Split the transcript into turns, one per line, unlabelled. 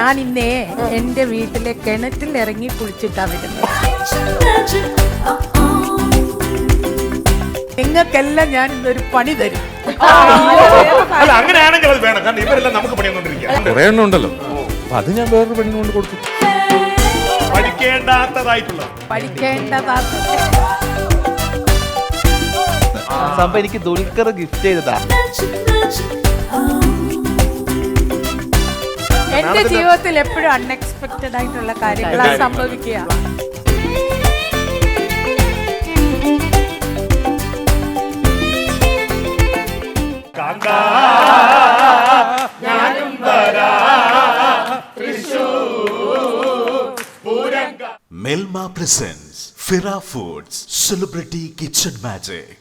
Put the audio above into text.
ഞാൻ ഇന്നേ എന്റെ വീട്ടിലെ കിണറ്റിൽ ഇറങ്ങി കുളിച്ചിട്ടാ വരുന്നത്. നിങ്ങൾക്കെല്ലാം ഞാൻ ഇന്നൊരു പണി തരും.
അല്ല അങ്ങനെയാണെങ്കിൽ അത് വേണം. കാരണം ഇവരെല്ലാം നമുക്ക് പണിയൊന്നുകൊണ്ടിരിക്കുക.
കുറെ എണ്ണം ഉണ്ടല്ലോ. അപ്പൊ അത് ഞാൻ വേറൊരു പെണ്ണിന് കൊണ്ട് കൊടുത്തു.
പഠിക്കേണ്ടാത്തതായിട്ടുള്ളത്.
സംഭവം എനിക്ക് ദുൽഖർ ഗിഫ്റ്റ് ചെയ്തതാ.
എന്റെ ജീവിതത്തിൽ എപ്പോഴും അൺഎക്സ്പെക്ടഡ് ആയിട്ടുള്ള കാര്യങ്ങളാണ് സംഭവിക്കുക.
Melma presents Fira Foods Celebrity Kitchen Magic.